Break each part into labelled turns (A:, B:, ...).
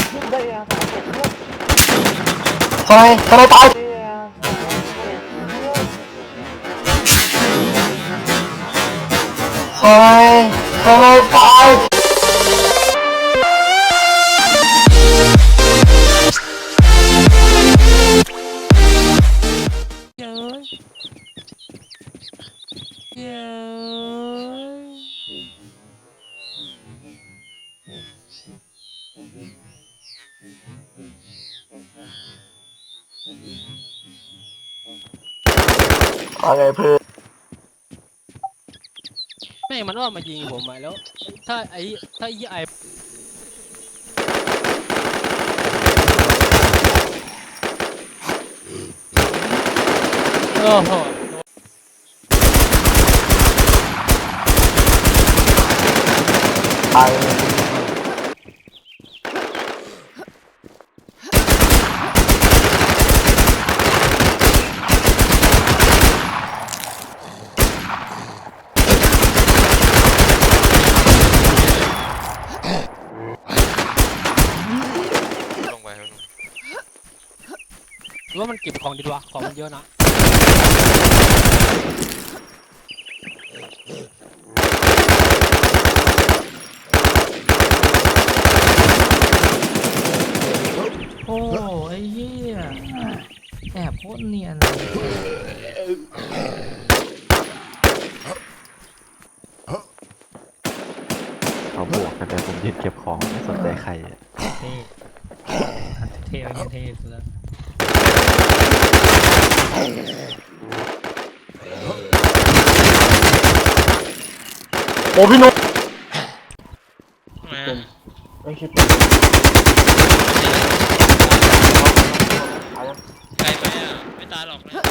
A: ทำไมตายทำไมตายอะไรเพื่อน
B: แม่งมันว่ามายิงผมมาแล้วถ้าไอ้โอ้โห
A: ไอ
B: หรือว่ามันเก็บของดีวะของมันเยอะนะ
C: โอ้ไอ้เหี้ยแอบโคตรเนียน
D: เขาบวกกันแต่ผมยืนเก็บของไม่สนใจใครอ่ะ
C: เท่เท่เท่สุดแล้ว
A: โอ้พี่นุ๊ก
B: ไม่
A: ไม่คิด
B: ไกลไปอ่ะไม่ตายหรอกนะ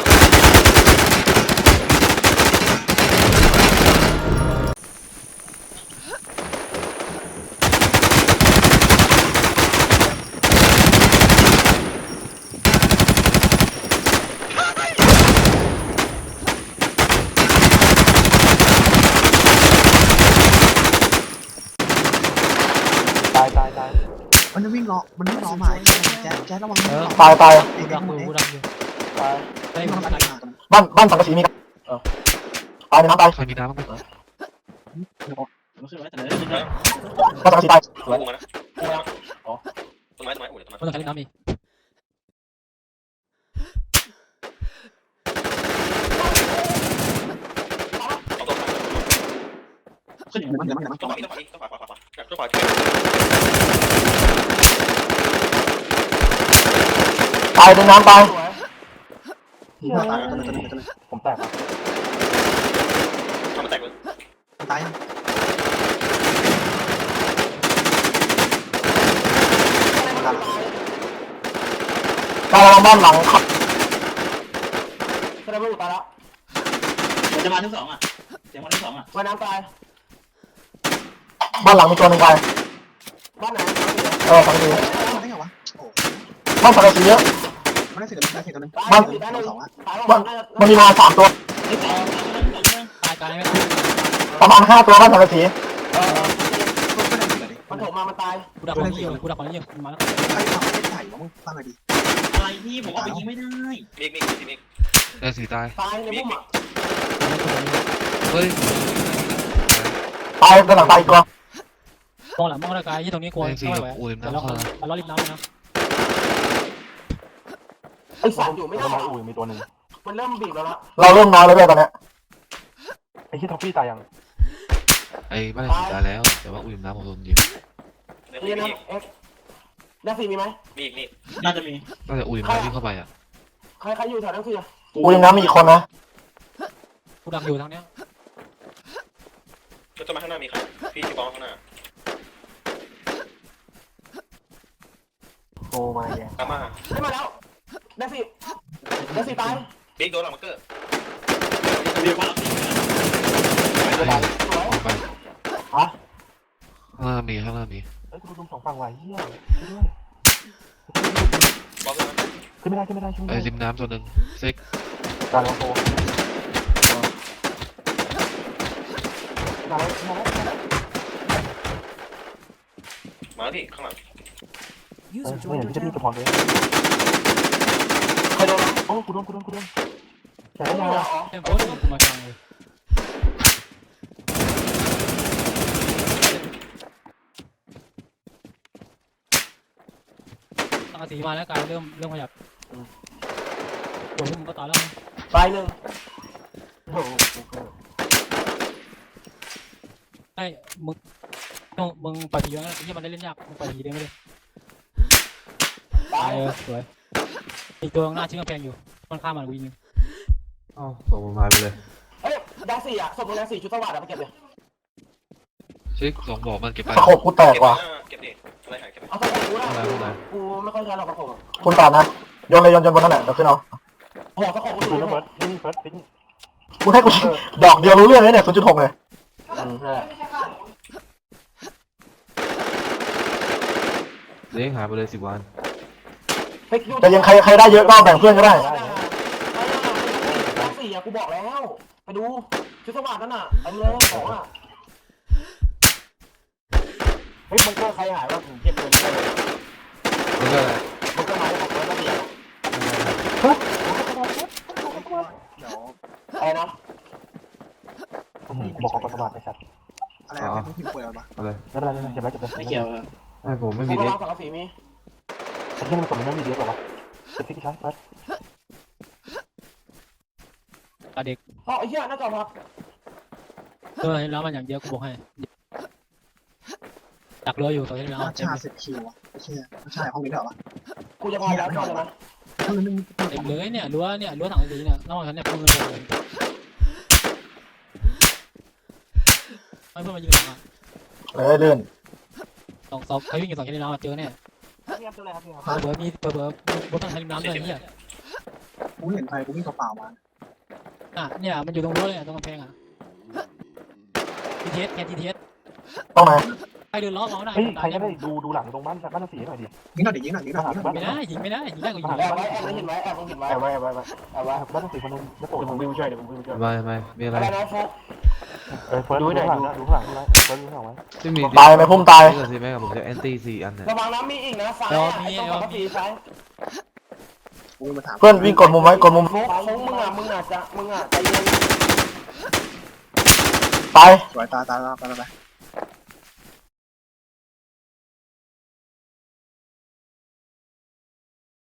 A: ตาย
E: มันจะวิ่งล้อหมายแจ๊ระวัง
A: ตาย
B: กูดังอยู่
A: ตาย
B: ไอ้มัน
A: บ้านสังกะสีมีกันตายในน้ำตาย
D: ใครมีน้ำบ้างไหม
A: บ้านสังกะสีตาย
B: มันต้องการเล่นน้ำอีก
A: ตายในน้ำตายผมแตก
E: ตาย
A: ตายบ้านหลังครับแสดงว่าตายแล้ว
F: จะมาทั้งสองอ่ะเสียงมาทั้งสองอ่ะ
A: ว่ายน้ำตายบ้านหลังมีตัวหนึ่งตายบ้านไหนสังกะสี
E: มาได้ไงวะโอ้
A: บ้านสังกะสีเยอะ
E: ไม่ได้เสียตัวนึง
A: บ้านมันมีมา3 ตัว
B: ตายไม่ตาย
A: ประมาณ5 ตัวบ้านสังกะสีมันโผล่มามันตาย
B: กูดักของยิงกูดักของยิงมาแล้ว
E: ใครทำไม่ถ่ายวะมึงฟังหน่อยดิ
F: อะไรพี่ผมก็ไปยิงไม่ได้
D: ได้สีตาย
A: ตายในพุ่มอ่ะ
D: เฮ้ย
A: ตายกำลังตายตัว
B: มองหลังมองตะกายที่ตรงนี้กลัว
D: ได้สี
B: ไม่
D: กับ
B: ไหว
D: อูริม
B: แต่
D: น้ำ
B: เรา
D: เข้า
B: เรารีบน้ำนะ
A: ไอ้สองอยู่ไม่ได้อูมีตัวหนึ่งมันเริ่มบีบแล้วเราเริ่มน้อยแล้วด้วยตอนนี้ไอ้ที่ท็อปปี้ตายยัง
D: ไอ้บ้านสีตายแล้วแต่ว่าอูริมน้ำผมโดนยิง
A: นี่นะเอ็กนักสีมีไหม
F: น่าจะมี
D: น่าจะอูริมน้ำวิ่งเข้าไปอ่ะ
A: ใครอยู่แถวนักสีอูริมน้ำมีอีกคนนะ
B: กูดักอยู่ทางเนี้ย
G: ก็จะมาข้างหน้ามีใครพี่ที่บอลข้างหน้า
A: โอ้มาแย่
G: ตามมา
A: ไม่มาแล้วนักสีตาย
G: บิ๊กโดนหลังมาร์เกอร์
F: เรียกว่า
A: สวย
D: ไป
A: ฮะ
D: ข้างหน้ามีข้างหน้ามี
A: เอ้ยคุณดู2 ฝั่งไหวเฮีย
G: บอลขึ้นมา
A: ขึ้นไม่ได้ขึ้นไม่ได้
D: ไอ้ริมน้ำตัวหนึ่งเซ็ก
A: การลงโตมาแล้ว
G: มาแล้วพี่ข้างหลัง
A: ไม่เห็นพี่จะพี่จะพรเลยใครโดนโอ้กูโดนแต่ไม่มา
B: เต็มโพสต์มากลางเลยตาสีมาแล้วกายเริ่มขยับโอ้ยมึงก็ตายแล้ว
A: ตายหนึ่งโอ้โห
B: ไอ้มึงปฏิวัติที่มันได้เล่นยากมึงปฏิได้ไม่ได้
A: ตาย
B: สวยอีกตัวหน้าชิ้นกำแพงอยู่มันข้ามมันวิ่ง
D: อ้าวส่งผมหายไปเลย
A: เอ้ยดังสี่อ่ะศพมึงดังสี่ชุดสวัสดิ์อ่ะไปเก็บเลย
H: ชิคสองบอกมันเก็บไป
A: ตะขบกูแตกว่ะ
G: เก็บดิอะไรหายเก็บไป
A: เอาตะขบกูนะกูไม่ค่อยใช้หรอกตะขบ
I: คุณตานะโยนเลยโยนบนนั่นแหละเดี๋ยวขึ้นเอา
A: โอ้โหตะขบกูดูนะเบิร์ดนี่เฟิร์สปิ๊ง
I: คุณให้กูดอกเดียวรู้เรื่องเลยเนี่ย 0.6 เลย
A: ใช่
D: เลี้ยงหายไปเลย10 วัน
I: แต่ยังใครได้เยอะก็แบ่งเพื่อนก็ได้
A: ดังสี่อ่ะกูบอกแล้วไปดูชุดสวัสดิ์นั่นน่ะไอ้เลยของอ่ะเฮ้ยมันก็ใครหายว่าผมเก็บเงินได้
D: มันก็อะไร
A: มันก็มาจากร้อยละเอียด
E: เดี๋ยว
A: อะไรนะบอกของกสวัสดิ์ไอ้สัตว์
E: อะไรอะเป็นพิมพ์ป่วยอะไรวะ
D: อะไร
A: ไม่เป็นไรเก็บไว้เก็บไว้
F: ไม่เกี่ยว
D: ไอ้ผมไม่
A: มี
D: มี
A: เด็
D: เด็
A: ก
D: ก
A: สังกะสีมีไอ้ที่มันกดมันไม่มีเด็กหรอวะเก็บที่ชั้นไป
B: ตาเด็ก
A: อ๋อไอ้เหี้ยน่าจะพัก
B: แล้วมันอย่างเดียวกูบอกให้ดักเรืออยู่ตัวที่แล้ว
E: ราชา10 คิวอ่ะไม่ใช่ราชาห้องนี้เหรอวะ
A: กูจะพอแล้วใช่ไหม
E: ห้องนึง
B: เด็กเลยเนี่ยรั้วถังสีเนี่ยระหว่างฉันเนี่ยพุ่งเลยไม่เพื่อนมายืนหลังอ่ะ
I: เลยลื่น
B: สองใครวิ่งอยู่สองชั้นน้ำเจอเนี่ย
A: เรียบเลยครับพี่
B: เผื่อมีบนชั้นน้ำด้วยเนี่ย
E: กูเห็นใครกูวิ่งเปล่ามา
B: เนี่ยมันอยู่ตรงรั้วเลยตรงกำแพงอ่ะทีเทสแค่ทีเทส
I: ต้องไหน
B: ใครเดินล้อเขาได้
A: เฮ้ยใครจะได้ดูหลังตรงบ้านสีหน่อยดิ
E: ยิงหน่อยดิยิงหน่อยยิงหน่อยยิงหน่อย
B: ไม่ได้ยิงไม่ได้ยิงได้ก็ยิง
A: แอบไว้แอบเห็นไว้แอบเห็นไว้แอบไว้บ้านสีคนนึงจะโผล่ผมวิวช่วยเดี๋ยวผมวิวช่วย
D: ไม่มีอะไร
A: อะไรนะโฟกเฟิร์สดูหน่อยดูข้างหลังดูเฟิร์สดูข้างหลังไว้
D: ไม่มี
I: ตายไหมพุ่มตาย
D: ก็สิแม่กับผมจะแอนตี้4 อันเนี่ย
A: ระวังน้ำมีอีกนะซ้ายต้องกับสีซ้าย
E: กูมาถาม
I: เพื่อนวิ่งกดมุมไว้กดมุม
A: โฟกมึงอ่ะใจเย็น
I: ตาย
E: สวยตาไป